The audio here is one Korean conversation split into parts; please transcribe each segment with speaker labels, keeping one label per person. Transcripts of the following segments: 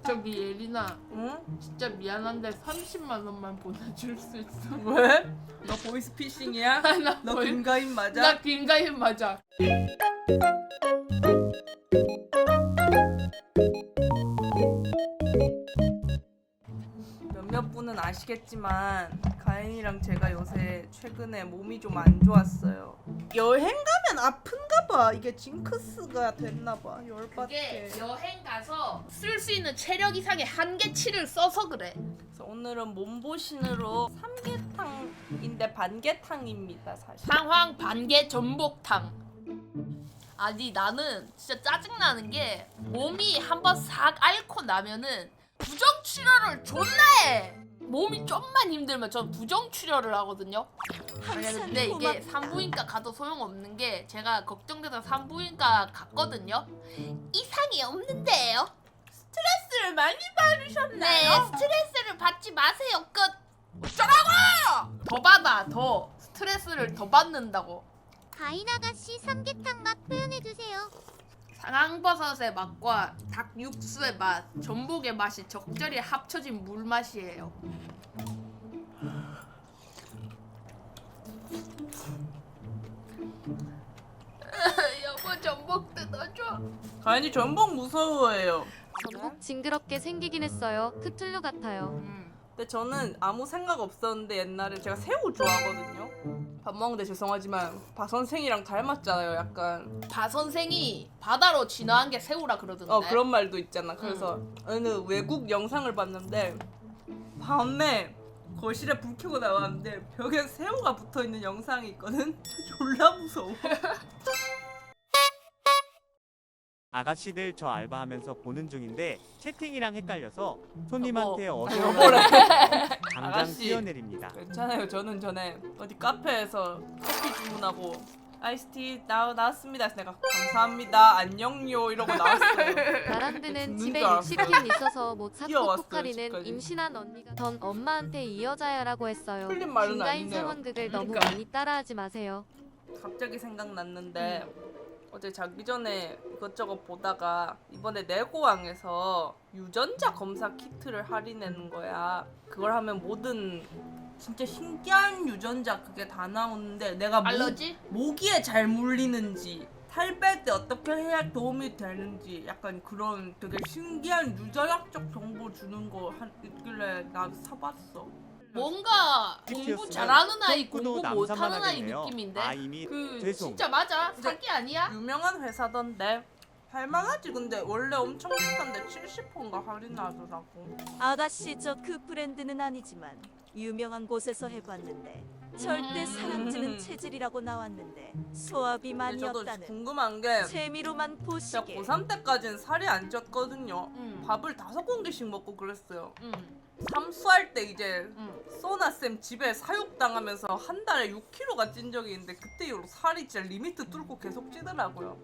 Speaker 1: 저기 예린아,
Speaker 2: 응?
Speaker 1: 진짜 미안한데 30만 원만 보내줄 수 있어?
Speaker 2: 왜? 너 보이스피싱이야?
Speaker 1: 나
Speaker 2: 너
Speaker 1: 거의-
Speaker 2: 김가인 맞아?
Speaker 1: 나 김가인 맞아.
Speaker 2: 몇몇 분은 아시겠지만 가인이랑 제가 요새 최근에 몸이 좀 안 좋았어요. 여행 가면 아픈가 봐. 이게 징크스가 됐나 봐.
Speaker 1: 그게
Speaker 2: 열받게.
Speaker 1: 여행 가서 쓸 수 있는 체력 이상의 한계치를 써서 그래.
Speaker 2: 그래서 오늘은 몸보신으로 삼계탕인데 반계탕입니다, 사실.
Speaker 1: 상황 반개 전복탕. 아니 나는 진짜 짜증나는 게 몸이 한번 싹 앓고 나면은 부정출혈을 존나 해. 몸이 좀만 힘들면 전 부정출혈을 하거든요. 근데 이게 산부인과 가도 소용없는 게 제가 걱정돼서 산부인과 갔거든요. 이상이 없는데요.
Speaker 2: 스트레스를 많이 받으셨나요?
Speaker 1: 네, 스트레스를 받지 마세요. 끝. 어쩌라고? 더 받아, 더. 스트레스를 더 받는다고.
Speaker 3: 가인 아가씨 삼계탕 맛 표현해주세요.
Speaker 1: 상황버섯의 맛과 닭 육수의 맛, 전복의 맛이 적절히 합쳐진 물 맛이에요. 여보 전복 뜯어줘.
Speaker 2: 가인이 전복 무서워해요.
Speaker 4: 전복 징그럽게 생기긴 했어요. 크툴루 같아요.
Speaker 2: 근데 저는 아무 생각 없었는데 옛날에 제가 새우 좋아하거든요. 밥 먹는데 죄송하지만 바 선생이랑 닮았잖아요, 약간.
Speaker 1: 바 선생이 바다로 진화한 게 새우라 그러던데.
Speaker 2: 그런 말도 있잖아. 그래서 어느 외국 영상을 봤는데 밤에 거실에 불 켜고 나왔는데 벽에 새우가 붙어 있는 영상이 있거든. 졸라 무서워.
Speaker 5: 아가씨들 저 알바하면서 보는 중인데 채팅이랑 헷갈려서 손님한테 어서
Speaker 2: 여보래.
Speaker 5: 당장
Speaker 2: 아가씨.
Speaker 5: 뛰어내립니다.
Speaker 2: 괜찮아요. 저는 전에 어디 카페에서 커피 주문하고 아이스티 나왔습니다. 그래서 내가 감사합니다. 안녕요 이러고 나왔어요.
Speaker 4: 나란드는
Speaker 2: 죽는
Speaker 4: 집에
Speaker 2: 줄 알았어요.
Speaker 4: 60캔 있어서 못 샀고
Speaker 2: 뛰어왔어요,
Speaker 4: 포카리는
Speaker 2: 집까지.
Speaker 4: 임신한 언니가 전 엄마한테 이 여자야라고 했어요.
Speaker 2: 틀린 말은
Speaker 4: 김가인
Speaker 2: 아니네요.
Speaker 4: 상황극을 너무
Speaker 1: 그러니까.
Speaker 4: 많이 따라하지 마세요.
Speaker 2: 갑자기 생각났는데 어제 자기 전에 이것저것 보다가 이번에 내고왕에서 유전자 검사 키트를 할인하는 거야. 그걸 하면 모든 진짜 신기한 유전자 그게 다 나오는데 내가
Speaker 1: 알러지?
Speaker 2: 모기에 잘 물리는지 살 뺄 때 어떻게 해야 도움이 되는지 약간 그런 되게 신기한 유전학적 정보 주는 거 있길래 나도 사봤어.
Speaker 1: 뭔가 공부
Speaker 5: 키트였으면
Speaker 1: 잘하는 아이
Speaker 5: 톡구도
Speaker 1: 공부 못하는 아이
Speaker 5: 남사만
Speaker 1: 느낌인데.
Speaker 5: 아 이미
Speaker 1: 그
Speaker 5: 죄송.
Speaker 1: 진짜 맞아? 사기 아니야?
Speaker 2: 유명한 회사던데 할만하지. 근데 원래 엄청 비싼데 70%인가 할인하더라고.
Speaker 6: 아가씨 저 그 브랜드는 아니지만 유명한 곳에서 해봤는데 절대 사람찌는 체질이라고 나왔는데 소화비
Speaker 2: 근데 저도
Speaker 6: 만이었다는
Speaker 2: 궁금한 게
Speaker 6: 재미로만
Speaker 2: 제가
Speaker 6: 보시게.
Speaker 2: 고3 때까지는 살이 안 쪘거든요.
Speaker 1: 응.
Speaker 2: 밥을 5공기씩 먹고 그랬어요.
Speaker 1: 응.
Speaker 2: 삼수할 때 이제
Speaker 1: 응.
Speaker 2: 소나쌤 집에 사육당하면서 한 달에 6kg가 찐 적이 있는데 그때 이후로 살이 진짜 리미트 뚫고 계속 찌더라고요.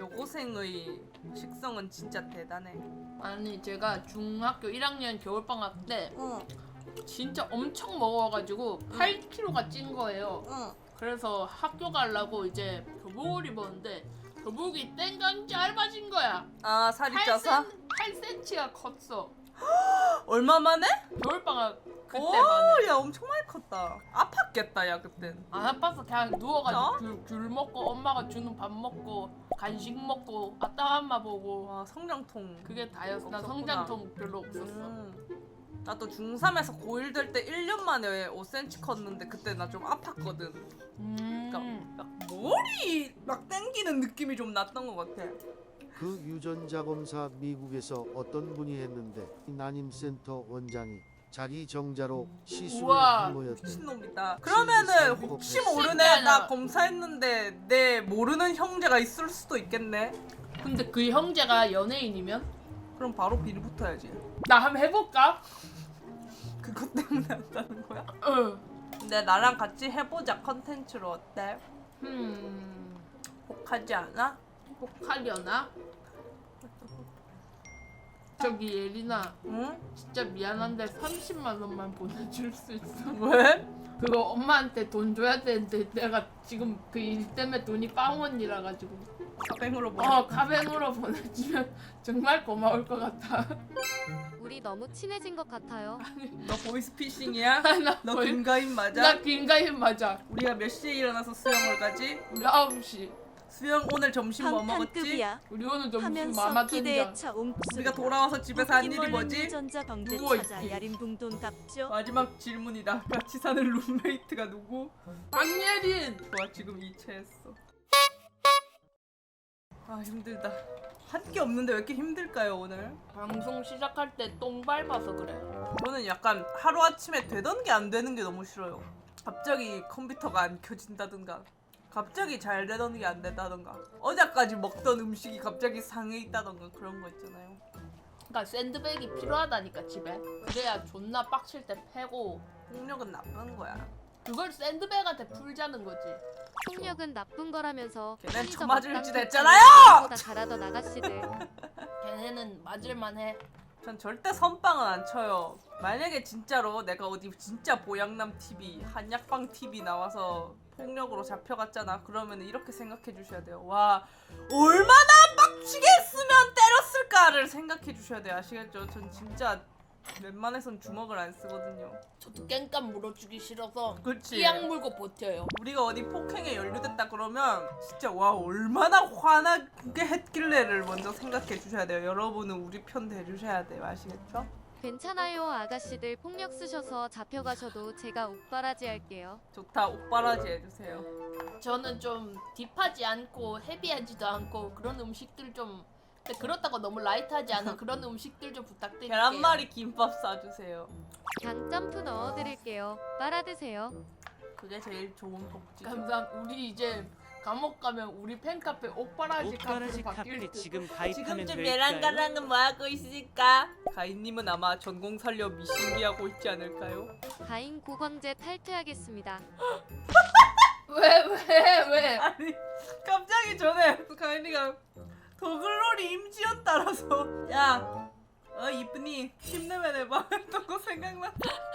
Speaker 2: 여고생의 식성은 진짜 대단해.
Speaker 1: 아니 제가 중학교 1학년 겨울방학 때
Speaker 2: 응,
Speaker 1: 진짜 엄청 먹어가지고 8kg가 찐 거예요.
Speaker 2: 응.
Speaker 1: 그래서 학교 가려고 이제 교복을 입었는데 교복이 땡강 짧아진 거야.
Speaker 2: 아 살이 쪄서?
Speaker 1: 8cm가 컸어.
Speaker 2: 얼마 만에?
Speaker 1: 겨울방학 그때
Speaker 2: 오,
Speaker 1: 만에.
Speaker 2: 야 엄청 많이 컸다. 아팠겠다 야 그땐.
Speaker 1: 안 아파서 그냥 누워가지고 귤 먹고 엄마가 주는 밥 먹고 간식 먹고 아따맘마 보고
Speaker 2: 와 성장통.
Speaker 1: 그게 다였어. 난
Speaker 2: 없었구나.
Speaker 1: 성장통 별로 없었어.
Speaker 2: 나도 중3에서 고1 될 때 1년 만에 5cm 컸는데 그때 나 좀 아팠거든. 그러니까 막 머리 막 땡기는 느낌이 좀 났던 것 같아.
Speaker 7: 그 유전자 검사 미국에서 어떤 분이 했는데 난임센터 원장이 자기 정자로 시술을
Speaker 1: 우와.
Speaker 7: 한 거였대.
Speaker 2: 미친놈이다. 그러면은 혹시 모르네. 나 검사했는데 내 모르는 형제가 있을 수도 있겠네.
Speaker 1: 근데 그 형제가 연예인이면?
Speaker 2: 그럼 바로 비리 붙어야지.
Speaker 1: 나 한번 해볼까?
Speaker 2: 그것 때문에 한다는 거야?
Speaker 1: 응.
Speaker 2: 근데 나랑 같이 해보자 컨텐츠로 어때?
Speaker 1: 음...
Speaker 2: 혹하지 않아?
Speaker 1: 혹하려나? 저기 예린아,
Speaker 2: 응?
Speaker 1: 진짜 미안한데 30만 원만 보내줄 수 있어?
Speaker 2: 왜?
Speaker 1: 그거 엄마한테 돈 줘야 되는데 내가 지금 그 일 때문에 돈이 빵원이라 가지고.
Speaker 2: 가뱅으로 뭐?
Speaker 1: 가뱅으로 보내주면 정말 고마울 것 같아.
Speaker 4: 우리 너무 친해진 것 같아요.
Speaker 2: 너 보이스피싱이야?
Speaker 1: 나
Speaker 2: 너
Speaker 1: 거의-
Speaker 2: 김가인 맞아?
Speaker 1: 나 김가인 맞아.
Speaker 2: 우리가 몇 시에 일어나서 수영을 가지?
Speaker 1: 우리 9시.
Speaker 2: 수영 오늘 점심 뭐 먹었지?
Speaker 6: 방탄급이야.
Speaker 1: 우리 오늘 점심
Speaker 6: 하면서
Speaker 1: 마마전자.
Speaker 6: 기대에 차 옹수.
Speaker 2: 우리가 돌아와서 집에서 한 일이 뭐지?
Speaker 6: 전자 방대
Speaker 1: 누워
Speaker 6: 찾아
Speaker 1: 있기.
Speaker 6: 야림둥돈 갚죠.
Speaker 2: 마지막 질문이다. 같이 사는 룸메이트가 누구?
Speaker 1: 박예린.
Speaker 2: 좋아, 지금 이체했어. 아, 힘들다. 할 게 없는데 왜 이렇게 힘들까요, 오늘?
Speaker 1: 방송 시작할 때 똥 밟아서 그래.
Speaker 2: 저는 약간 하루아침에 되던 게 안 되는 게 너무 싫어요. 갑자기 컴퓨터가 안 켜진다든가, 갑자기 잘 되던 게 안 된다든가, 어제까지 먹던 음식이 갑자기 상해 있다든가, 그런 거 있잖아요.
Speaker 1: 그러니까 샌드백이 필요하다니까 집에. 그래야 존나 빡칠 때 패고.
Speaker 2: 폭력은 나쁜 거야.
Speaker 1: 그걸 샌드백한테 풀자는 거지.
Speaker 4: 폭력은 나쁜 거라면서
Speaker 2: 걔넨
Speaker 4: 편의점
Speaker 2: 처맞을지
Speaker 4: 앞당
Speaker 2: 됐잖아요!
Speaker 4: 보다 잘하던 아가씨들.
Speaker 1: 걔네는 맞을만해.
Speaker 2: 전 절대 선빵은 안 쳐요. 만약에 진짜로 내가 어디 진짜 보양남 TV, 한약방 TV 나와서 폭력으로 잡혀갔잖아. 그러면 이렇게 생각해 주셔야 돼요. 와, 얼마나 빡치게 했으면 때렸을까를 생각해 주셔야 돼요. 아시겠죠? 전 진짜 웬만해선 주먹을 안 쓰거든요.
Speaker 1: 저도 깽깐 물어주기 싫어서
Speaker 2: 그치?
Speaker 1: 끼약 물고 버텨요.
Speaker 2: 우리가 어디 폭행에 연루됐다 그러면 진짜 와, 얼마나 화나게 했길래를 먼저 생각해 주셔야 돼요. 여러분은 우리 편 대주셔야 돼요. 아시겠죠?
Speaker 4: 괜찮아요 아가씨들 폭력 쓰셔서 잡혀가셔도 제가 옥바라지 할게요.
Speaker 2: 좋다. 옥바라지 해주세요.
Speaker 1: 저는 좀 딥하지 않고 헤비하지도 않고 그런 음식들 좀, 근데 그렇다고 너무 라이트하지 않은 그런 음식들 좀 부탁드릴게요.
Speaker 2: 계란말이 김밥 싸주세요.
Speaker 4: 강 점프 넣어드릴게요. 빨아드세요.
Speaker 2: 그게 제일 좋은 복지죠.
Speaker 1: 감사합니다. 우리 이제 감옥 가면 우리 팬카페 옥바라지
Speaker 5: 옷가라지
Speaker 1: 카페로 바뀔
Speaker 5: 카페
Speaker 1: 듯.
Speaker 5: 지금 가입하면
Speaker 2: 지금쯤
Speaker 5: 될까요?
Speaker 2: 예랑가랑은 뭐하고 있을까? 가인님은 아마 전공 살려 미신기하고 있지 않을까요?
Speaker 4: 가인 고광재 탈퇴하겠습니다.
Speaker 1: 왜?
Speaker 2: 아니, 갑자기 전에 가인이가 더글로리 임지연 따라서 야, 이쁜이 힘내면 해봐 했던 거 생각나.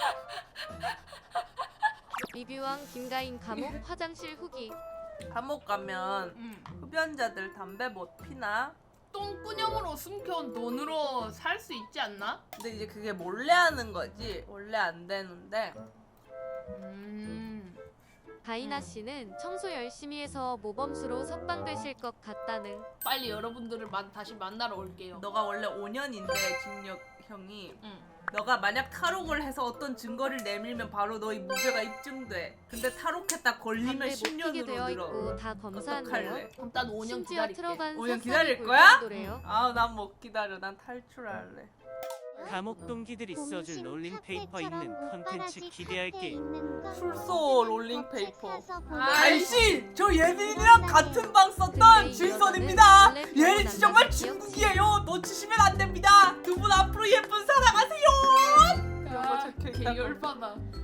Speaker 4: 리뷰왕 김가인 감옥 화장실 후기.
Speaker 2: 감옥 가면 흡연자들 담배 못 피나?
Speaker 1: 똥꾸녕으로 숨겨온 돈으로 살 수 있지 않나?
Speaker 2: 근데 이제 그게 몰래 하는 거지 원래 안 되는데.
Speaker 4: 가인아 씨는 청소 열심히 해서 모범수로 석방되실 것 같다는.
Speaker 1: 빨리 여러분들을 다시 만나러 올게요.
Speaker 2: 너가 원래 5년인데 징역형이
Speaker 1: 응.
Speaker 2: 너가 만약 탈옥을 해서 어떤 증거를 내밀면 바로 너의 무죄가 입증돼. 근데 탈옥했다 걸리면
Speaker 4: 담배 못 피게
Speaker 2: 10년으로
Speaker 4: 되어
Speaker 2: 늘어.
Speaker 4: 있고 다 검사한대요.
Speaker 2: 어떡할래?
Speaker 1: 그럼 난 5년
Speaker 4: 심지어
Speaker 1: 기다릴게.
Speaker 4: 틀어간
Speaker 2: 5년
Speaker 4: 새싹이
Speaker 2: 기다릴 거야?
Speaker 4: 노래요.
Speaker 2: 아, 난 못 기다려. 난 탈출할래.
Speaker 5: 감옥 동기들이 써줄 롤링페이퍼 있는 컨텐츠 기대할게.
Speaker 2: 출소 롤링페이퍼.
Speaker 1: 아이씨!
Speaker 2: 아이씨! 저 예린이랑 같은 방 썼던 진선입니다. 예린 씨 정말 중국이에요. 놓치시면 안 됩니다. 두 분 앞으로 예쁜 사랑하세요. 이런 거
Speaker 1: 아,
Speaker 2: 적혀있다고.
Speaker 1: 개열받아.